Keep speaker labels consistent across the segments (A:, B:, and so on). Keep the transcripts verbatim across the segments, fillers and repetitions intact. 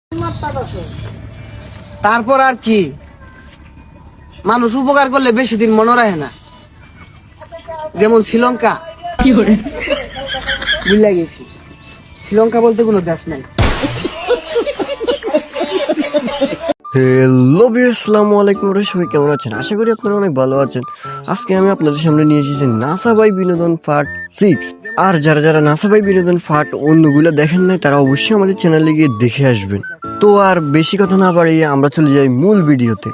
A: তারপর আর কি, মানুষ উপকার করলে বেশি দিন মনে রাখে না। যেমন শ্রীলঙ্কা, বুঝলা গেছি, শ্রীলঙ্কা বলতে কোনো দেশ নাই।
B: হ্যালো ভিউয়ার্স, আসসালামু আলাইকুম। সবাই কেমন আছেন? আশা করি আপনারা অনেক ভালো আছেন। আজকে আমি আপনাদের সামনে নিয়ে এসেছি নাসা বাই বিনোদন পার্ট সিক্স। আর যারা যারা নাসা বাই বিনোদন পার্ট অন্যগুলো দেখেন নাই তারা অবশ্যই আমাদের চ্যানেলে গিয়ে দেখে আসবেন। তো আর বেশি কথা না বাড়িয়ে আমরা চলে যাই মূল ভিডিওতে।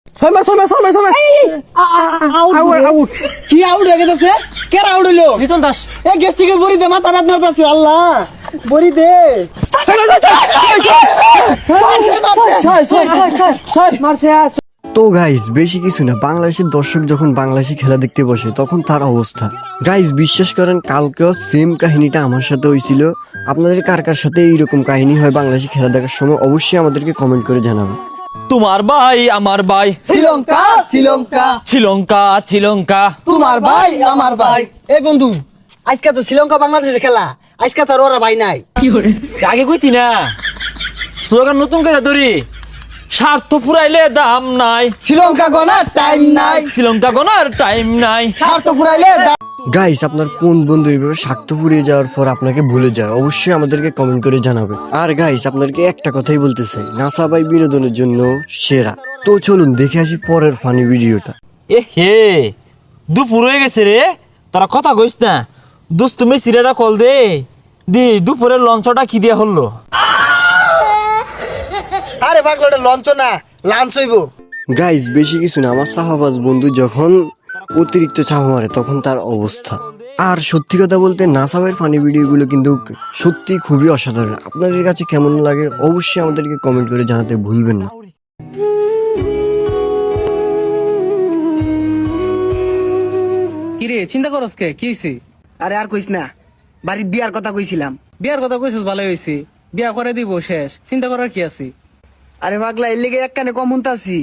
A: কি আউট হয়ে গেছে? কে আউট হইলো?
C: লিটন দাস।
A: এ গেস্ট থেকে বড়ি দে, মাথা ব্যথা করতেছে। আল্লাহ, বড়ি দে। মারছে।
B: তো গাইস, বেশি কিছু না, বাংলাদেশের দর্শক যখন বাংলাদেশি খেলা দেখতে বসে তখন তার অবস্থা। গাইস, বিশ্বাস করেন কালকেও সেম কাহিনীটা আমার সাথে হয়েছিল। আপনাদের কার কার সাথে এইরকম কাহিনী হয় বাংলাদেশি খেলা দেখার সময় অবশ্যই আমাদেরকে কমেন্ট করে জানাবেন।
C: তোমার ভাই আমার ভাই,
A: শ্রীলঙ্কা শ্রীলঙ্কা
C: শ্রীলঙ্কা শ্রীলঙ্কা।
A: তোমার ভাই আমার ভাই। এই বন্ধু, আজকে তো শ্রীলঙ্কা বাংলাদেশের খেলা, আজকে তার ওরা ভাই নাই।
C: আগে কইতি না স্লোগান নতুন করে ধরি, স্বার্থ ফুরাইলে দাম নাই,
A: শ্রীলঙ্কা গোনার টাইম নাই,
C: শ্রীলঙ্কা গোনার টাইম নাই।
A: স্বার্থ ফুরাইলে দাম।
B: গাইস, আপনার কোন বন্ধু এইভাবে স্বার্থ ফুরিয়ে যাওয়ার পর আপনাকে ভুলে যায় অবশ্যই আমাদেরকে কমেন্ট করে জানাবেন। আর গাইস, আপনাদেরকে একটা কথাই বলতে চাই, নাসা বাই বিনোদনের জন্য সেরা। তো চলুন দেখে আসি পরের ফানি ভিডিওটা।
C: এ হে, দুপুর হয়ে গেছে রে, তোরা কথা কইস না। দোস্ত তুমি সিরাটা কল দে দি, দুপুরের লঞ্চটা কি দিয়া হলো?
A: আরে পাগলাটা লঞ্চ না, লাঞ্চ হইব।
B: গাইস, বেশি কিছু না, আমার সাহাবাজ বন্ধু যখন অতিরিক্ত চাপ মারে তখন তার অবস্থা। আর সত্যি কথা বলতে নাসাবের ফানি ভিডিওগুলো কিন্তু সত্যি খুবই অসাধারণ। আপনাদের কাছে কেমন লাগে অবশ্যই আমাদেরকে কমেন্ট করে জানাতে ভুলবেন না।
D: কিরে চিন্তা করস কে? কি হইছে?
A: আরে আর কইস না, বাড়ির বিয়ার কথা কইছিলাম।
D: বিয়ার কথা কইছিস, ভালো হইছে। বিয়া করে দিব শেষ, চিন্তা করার কি আছে?
A: আরে পাগলা, এর লিগে এক কানে কম শুনতাছি।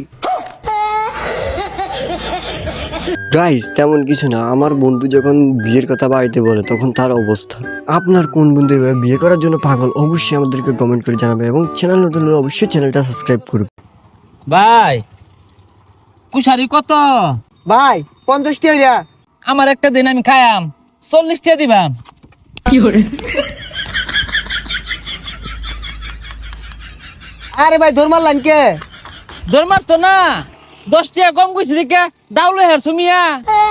B: গাইস, তেমন কিছু না, আমার বন্ধু যখন বিয়ের কথা বাড়িতে বলে তখন তার অবস্থা। আপনার কোন বন্ধু এভাবে বিয়ে করার জন্য পাগল অবশ্যই আমাদেরকে কমেন্ট করে জানাবে এবং চ্যানেল নতুন হলে অবশ্যই চ্যানেলটা সাবস্ক্রাইব করবে।
C: ভাই কুশারি কত?
A: ভাই পঞ্চাশটি হইরা।
C: আমার একটা দিন আমি খায়াম, চল্লিশটা দিবাম। কি করে?
A: আরে ভাই ধর্মার লাইন কে?
C: দরমার তো না, দশ টাকা কম কইছি দেখে দাউলে হারছো মিয়া।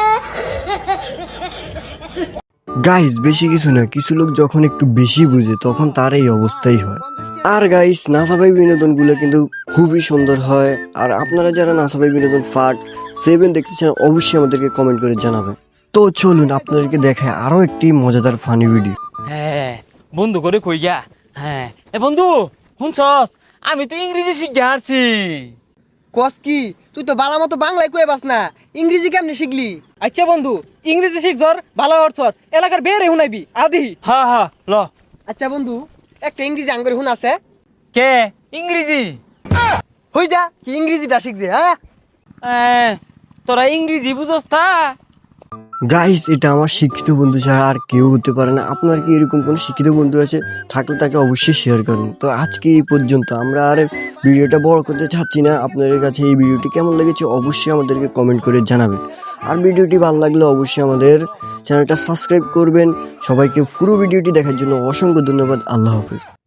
B: গাইস, বেশি কিছু না, কিছু লোক যখন একটু বেশি বুঝে তখন তার এই অবস্থাই হয়। আর গাইস, নাসাবাই বিনোদন গুলো কিন্তু খুবই সুন্দর হয়। আর আপনারা যারা নাসাবাই বিনোদন পার্ট সেভেন দেখতে চান অবশ্যই আমাদেরকে কমেন্ট করে জানাবেন। তো চলুন আপনাদেরকে দেখায় আরো একটি মজাদার ফানি ভিডিও।
C: হ্যাঁ বন্ধু করে কই গা। হ্যাঁ এ বন্ধু শুনছস, আমি তো ইংরেজি শিখে আসছি।
A: কস কি? তুই তো বালা মতো বাংলায় কয়ে বাস না, ইংরেজি কেমনে শিখলি?
D: আচ্ছা বন্ধু, ইংরেজি শিখছর, ভালো হরছর, এলাকার বেরে হুনাইবি আদি।
C: হ্যাঁ হ্যাঁ ল।
A: আচ্ছা বন্ধু, একটা ইংরেজি আঙ্গুর হুন আছে।
C: কে ইংরেজি?
A: হই যা, কি ইংরেজিটা শিখছে? হ্যাঁ
C: এ, তোরা ইংরেজি বুঝস তা?
B: গাইস, এটা আমার শিক্ষিত বন্ধু ছাড়া আর কেউ হতে পারে না। আপনার কি এরকম কোনো শিক্ষিত বন্ধু আছে? থাকলে তাকে অবশ্যই শেয়ার করুন। তো আজকে এই পর্যন্ত, আমরা আর ভিডিওটা বড় করতে চাচ্ছি না। আপনাদের কাছে এই ভিডিওটি কেমন লেগেছে অবশ্যই আমাদেরকে কমেন্ট করে জানাবেন। আর ভিডিওটি ভালো লাগলে অবশ্যই আমাদের চ্যানেলটা সাবস্ক্রাইব করবেন। সবাইকে পুরো ভিডিওটি দেখার জন্য অসংখ্য ধন্যবাদ। আল্লাহ হাফেজ।